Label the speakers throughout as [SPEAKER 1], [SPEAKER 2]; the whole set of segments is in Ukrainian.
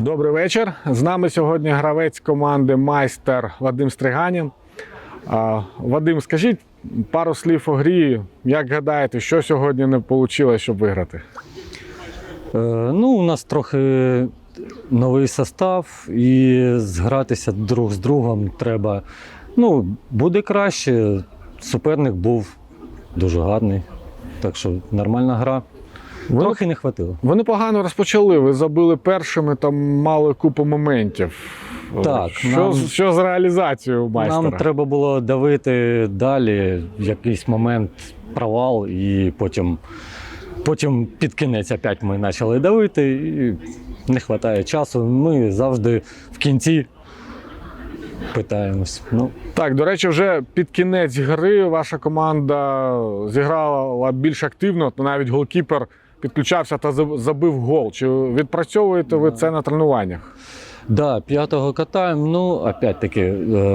[SPEAKER 1] Добрий вечір. З нами сьогодні гравець команди «Майстер» Вадим Стриганін. Вадим, скажіть пару слів у грі. Як гадаєте, що сьогодні не вийшло, щоб виграти?
[SPEAKER 2] У нас трохи новий состав і згратися друг з другом треба. Буде краще. Суперник був дуже гарний, так що нормальна гра. Трохи не хватило.
[SPEAKER 1] Ви непогано розпочали, ви забили першими, там мали купу моментів.
[SPEAKER 2] Так,
[SPEAKER 1] що з реалізацією у «Майстера»?
[SPEAKER 2] Нам треба було давити далі, в якийсь момент провал, і потім під кінець опять ми почали давити, і не вистачає часу. Ми завжди в кінці питаємось.
[SPEAKER 1] Так, до речі, вже під кінець гри ваша команда зіграла більш активно, то навіть голкіпер підключався та забив гол. Чи відпрацьовуєте ви це на тренуваннях?
[SPEAKER 2] Так, п'ятого катаємо, опять-таки,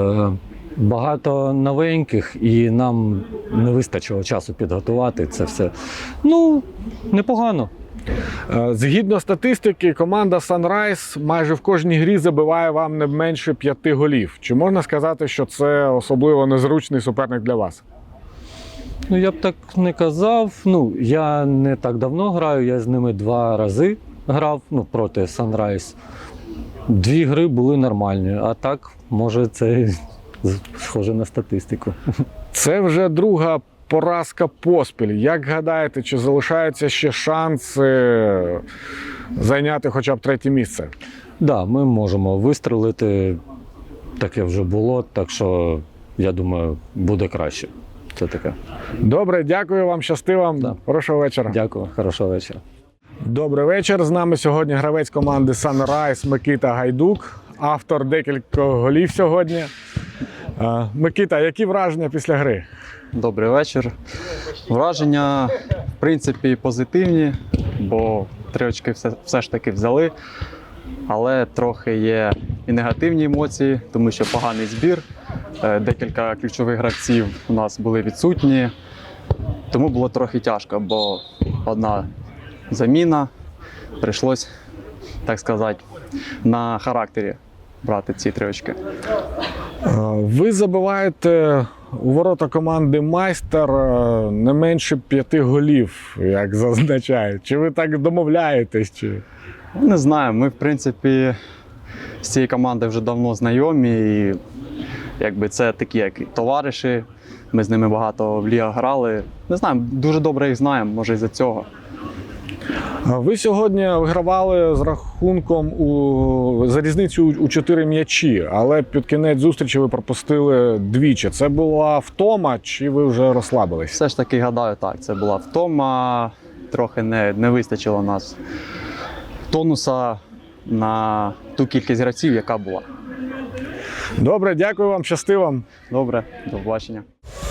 [SPEAKER 2] багато новеньких і нам не вистачило часу підготувати це все. Непогано.
[SPEAKER 1] Згідно статистики, команда «Санрайз» майже в кожній грі забиває вам не менше 5 голів. Чи можна сказати, що це особливо незручний суперник для вас?
[SPEAKER 2] Я б так не казав. Я не так давно граю, я з ними 2 рази грав проти «Санрайз». 2 гри були нормальні, а так, може, це схоже на статистику.
[SPEAKER 1] Це вже друга поразка поспіль. Як гадаєте, чи залишаються ще шанси зайняти хоча б 3-те місце?
[SPEAKER 2] Так, ми можемо вистрелити, таке вже було, так що, я думаю, буде краще. Це таке.
[SPEAKER 1] Добре, дякую вам, щасти вам.
[SPEAKER 2] Да.
[SPEAKER 1] Хорошого вечора.
[SPEAKER 2] Дякую, хорошого вечора.
[SPEAKER 1] Добрий вечір. З нами сьогодні гравець команди «Санрайз» Микита Гайдук, автор декількох голів сьогодні. Микита, які враження після гри?
[SPEAKER 3] Добрий вечір. Враження, в принципі, позитивні, бо 3 очки все ж таки взяли. Але трохи є і негативні емоції, тому що поганий збір. Декілька ключових гравців у нас були відсутні. Тому було трохи тяжко, бо одна заміна. Прийшлось, так сказати, на характері брати ці 3 очки.
[SPEAKER 1] Ви забиваєте у ворота команди «Майстер» не менше 5 голів, як зазначають. Чи ви так домовляєтесь? Чи?
[SPEAKER 3] Не знаю, ми, в принципі, з цією командою вже давно знайомі. І це такі, як товариші. Ми з ними багато в лігах грали. Не знаю, дуже добре їх знаємо, може із-за цього.
[SPEAKER 1] Ви сьогодні вигравали з рахунком за різницю у 4 м'ячі, але під кінець зустрічі ви пропустили двічі. Це була втома, чи ви вже розслабились?
[SPEAKER 3] Все ж таки, гадаю, так, це була втома. Трохи не вистачило нас тонуса на ту кількість гравців, яка була.
[SPEAKER 1] Добре, дякую вам, щасти вам.
[SPEAKER 3] Добре, до побачення.